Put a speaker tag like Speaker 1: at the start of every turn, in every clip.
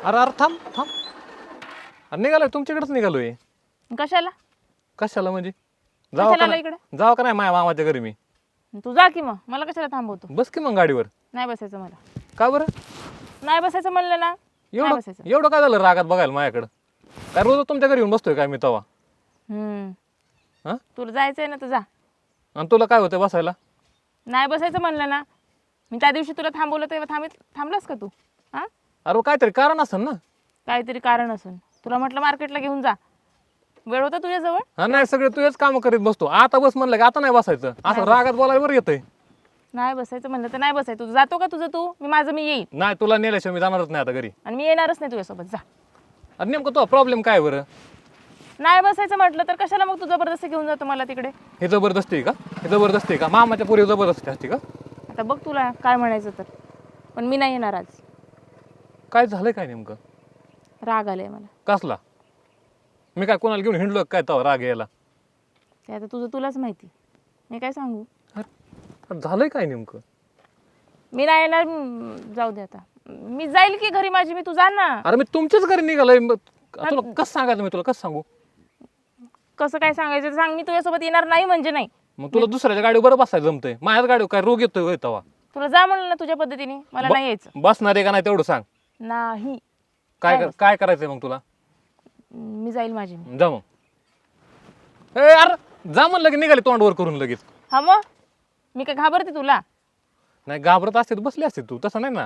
Speaker 1: अरे अरे थांब थांब. अरे निघालोय तुमच्याकडेच निघालोय.
Speaker 2: कशाला
Speaker 1: कशाला म्हणजे जावा
Speaker 2: कशाला
Speaker 1: का
Speaker 2: आला इकडे?
Speaker 1: जावा का नाही माझ्या मामाच्या घरी मी.
Speaker 2: तू जा की मग, मला कशाला थांबवतो?
Speaker 1: बस की मग गाडीवर.
Speaker 2: नाही बसायचं मला.
Speaker 1: का बरं?
Speaker 2: नाही बसायचं म्हणलं ना, नाही
Speaker 1: एवढं
Speaker 2: बसायचं.
Speaker 1: एवढं काय झालं रागात बघायला माझ्याकडं? काय रोज तुमच्या घरी येऊन बसतोय काय मी तवा? हा
Speaker 2: तुला जायचंय ना तर जा.
Speaker 1: आणि तुला काय होतं बसायला?
Speaker 2: नाही बसायचं म्हणलं ना. मी त्या दिवशी तुला थांबवलं तेव्हा थांबलास का तू? हा,
Speaker 1: अरे काहीतरी कारण असेल ना.
Speaker 2: काहीतरी कारण असेल. तुला म्हटलं मार्केटला घेऊन जा, वेळ होता तुझ्याजवळ.
Speaker 1: हा नाही सगळे तुझेच काम करीत बसतो. आता बस म्हणलं की आता नाही बसायचं. असं रागात बोलायला बरं येतंय.
Speaker 2: नाही बसायचं म्हणलं तर नाही बसायचं. तू जातो का तुझं तू, मी माझं मी येईन.
Speaker 1: नाही तुला नेल्याशिवाय मी जाणारच नाही आता घरी.
Speaker 2: आणि मी येणारच नाही तुझ्यासोबत. जा.
Speaker 1: अरे नेमकं तो प्रॉब्लेम काय बरं?
Speaker 2: नाही बसायचं म्हटलं तर कशाला मग तू जबरदस्ती घेऊन जातो मला तिकडे?
Speaker 1: हे जबरदस्ती आहे का? हे जबरदस्ती आहे का? मामाच्या पोरी जबरदस्ती असते का?
Speaker 2: आता बघ तुला काय म्हणायचं तर, पण मी नाही येणार आज.
Speaker 1: काय झालंय काय नेमकं?
Speaker 2: राग आलाय मला.
Speaker 1: कसला? मी काय कोणाला घेऊन हिंडलो काय तवा राग यायला?
Speaker 2: ते आता तुलाच माहिती, मी काय सांगू.
Speaker 1: अरे झालंय काय नेमकं?
Speaker 2: मी नाही येणार. जाऊ दे आता. मी जाईल की घरी माझी, मी. तू जा ना.
Speaker 1: अरे मी तुमच्याच घरी निघालोय. तुला कसं सांगायचं? मी तुला कसं सांगू?
Speaker 2: कसं काय सांगायचं ते सांग. मी तुझ्यासोबत येणार नाही म्हणजे नाही.
Speaker 1: मग तुला दुसऱ्याच्या गाडीवर बरं बसायला जमतंय. माझ्याच गाडीवर काय रोग येतोय होय तवा?
Speaker 2: तुला जा म्हणलं ना तुझ्या पद्धतीने, मला नाही यायचं.
Speaker 1: बसणार आहे का नाही तेवढं सांग.
Speaker 2: नाही.
Speaker 1: काय करायचंय मग तुला?
Speaker 2: मी जाईल माझी मी.
Speaker 1: जा मग. ए अरे जा म्हणलं की निघाले तोंडवर करून लगेच.
Speaker 2: हा मग मी काय घाबरते तुला?
Speaker 1: नाही घाबरत असते तर बसली असते तू. तसं नाही ना.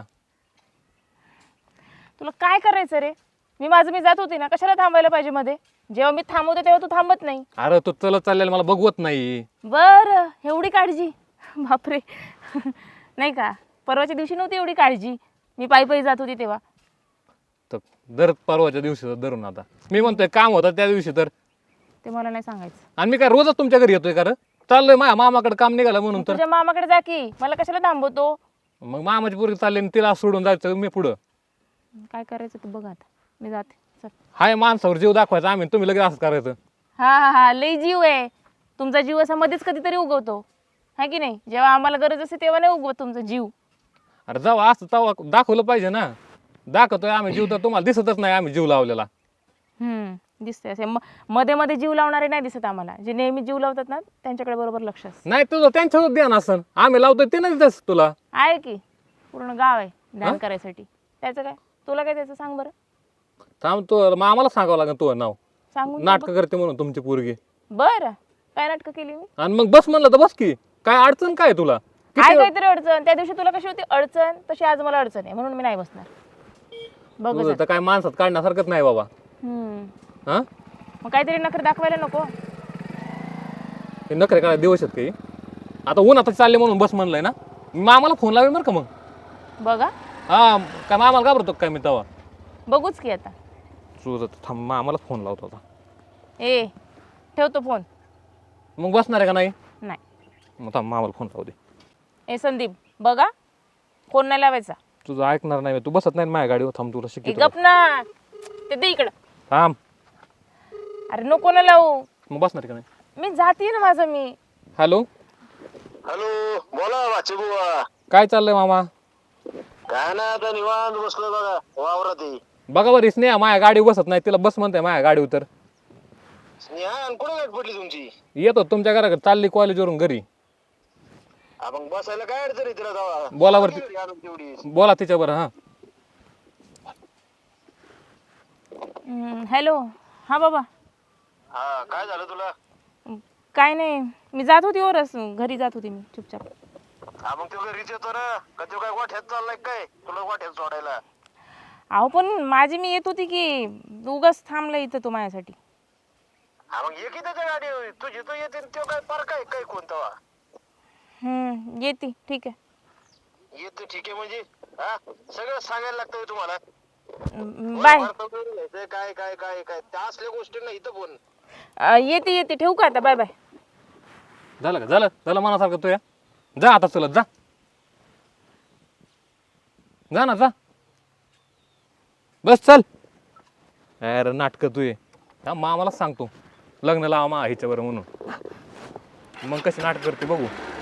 Speaker 2: तुला काय करायचं रे? मी माझं मी जात होती ना, कशाला थांबायला पाहिजे मध्ये? जेव्हा मी थांबवते तेव्हा तू थांबत नाही.
Speaker 1: अरे तू चलत चाललेला मला बघवत नाही.
Speaker 2: बरं, एवढी काळजी? बापरे. नाही का, परवाच्या दिवशी नव्हती एवढी काळजी. मी पायी पायी जात होती तेव्हा.
Speaker 1: तर दर परवाच्या दिवशी धरून आता मी म्हणतोय काम होतं त्या दिवशी तर.
Speaker 2: ते मला नाही सांगायचं.
Speaker 1: आणि मी काय रोजच तुमच्या घरी येतोय का रे? चाललोय माझ्या मामाकडे काम निघालं म्हणून तर.
Speaker 2: तुझ्या मामाकडे जा की, मला कशाला थांबवतो?
Speaker 1: मग मामाची पोरगी चालली आणि तिला सोडून जायचं मी पुढं.
Speaker 2: काय करायचं तू बघ आता. मी जाते. चल.
Speaker 1: हाय माणसावर जीव दाखवायचा आम्ही, तुम्ही लगेच असं करायचं.
Speaker 2: हा हा हा, लई जीव आहे तुमचा. जीव असा मध्येच कधीतरी उगवतो, है की नाही? जेव्हा आम्हाला गरज असते तेव्हा नाही उगवत तुमचा जीव.
Speaker 1: अरे जाऊ असं तवा दाखवलं पाहिजे ना. दाखवतोय आम्ही जीव तर तुम्हाला दिसतच नाही आम्ही जीव लावलेला.
Speaker 2: दिसते असे मध्ये मध्ये जीव लावणारे नाही दिसत आम्हाला. जे नेहमी जीव लावतात ना त्यांच्याकडे बरोबर लक्ष असतं.
Speaker 1: नाही तुझं त्यांच्यावर ध्यान असन. आम्ही लावतोय ते नाही दिसत तुला.
Speaker 2: आहे की, पूर्ण गाव आहे ध्यान करायसाठी. त्याचं काय, तुला काय त्याचं सांग बरं.
Speaker 1: थांब तू आम्हाला सांगावं लागेल तुझं नाव.
Speaker 2: सांगून
Speaker 1: नाटक करते म्हणून तुमची पोरगी.
Speaker 2: बरं, काय नाटकं केली मी?
Speaker 1: आणि मग बस म्हणलं तर बस की. काय अडचण काय तुला?
Speaker 2: काय काहीतरी अडचण. त्या दिवशी तुला कशी होती अडचण, तशी आज मला अडचण आहे, म्हणून मी नाही बसणार. बघ
Speaker 1: तुझं तर काय माणसात काढण्यासारखंच नाही बाबा. हा
Speaker 2: मग काहीतरी नखरे दाखवायला नको.
Speaker 1: हे नखरे काय दिवस आहेत काही. आता ऊन आता चालले म्हणून बस म्हणलंय ना. मामाला फोन लावेल बरं का मग.
Speaker 2: बघा,
Speaker 1: हा काय मामाला घाबरतो काय मी तवा?
Speaker 2: बघूच की आता.
Speaker 1: तुझं थांब मामाला फोन लावतो आता.
Speaker 2: ए, ठेवतो फोन.
Speaker 1: मग बसणार आहे का नाही?
Speaker 2: नाही.
Speaker 1: मग थांब मामाला फोन लावू दे.
Speaker 2: ए संदीप, बघा, फोन नाही लावायचा.
Speaker 1: तुझं ऐकणार नाही. तू बसत नाही माझ्या गाडीवर. थांब तुला
Speaker 2: ए
Speaker 1: शिकतो.
Speaker 2: गप ना, ते दे इकडं.
Speaker 1: थांब.
Speaker 2: अरे नको ना लावू.
Speaker 1: मग बसणार आहे का नाही?
Speaker 2: मी जाते ना माझं मी.
Speaker 1: हॅलो
Speaker 3: हॅलो, बोला वाचे बुवा.
Speaker 1: काय चाललंय मामा?
Speaker 3: काय ना, आता निवांत बसलो बघा वावरात.
Speaker 1: बघा बरं स्नेहा माझ्या गाडीवर बसत नाही. तिला बस म्हणते माझ्या गाडीवर तर.
Speaker 3: स्नेहा कुठे गाठ पडली तुमची?
Speaker 1: येतो तुमच्या घराकडे. चालली कॉलेजवरून घरी.
Speaker 3: मग बसायला काय अडचण आहे तिला जावा?
Speaker 1: बोला वरती.
Speaker 3: तेवढी
Speaker 1: बोला तिच्या बरं. हा
Speaker 2: हॅलो. हा बाबा.
Speaker 3: हा, काय झालं तुला?
Speaker 2: काय नाही, मी जात होती वरच, घरी जात होती मी चुपचाप.
Speaker 3: मग तो घरीच येतो ना का? तो काय वाट्यात चाललाय काय तुला वाट्यात सोडायला?
Speaker 2: अहो पण माझी मी येत होती की, उगाच थांबला इथं तो माझ्यासाठी.
Speaker 3: मग ये की त्याच्या गाडी. तुझी तो येते तो काय पार काय कोणता?
Speaker 2: येते, ठीक आहे.
Speaker 3: येतो ठीक आहे म्हणजे हा सगळं सांगायला लागतं तुम्हाला.
Speaker 2: बाय.
Speaker 3: काय काय काय काय त्या असल्या गोष्टी नाही इथं बोल.
Speaker 2: येते, ठेवू का आता? Bye bye.
Speaker 1: झालं का? झालं मनासारखं तू या. जा आता चलत जा. जा ना जा. बस चल. अरे नाटक तू ये. मामालाच सांगतो लग्न लावा मा हिच्यावर म्हणून. मग कशी नाटक करते बघू.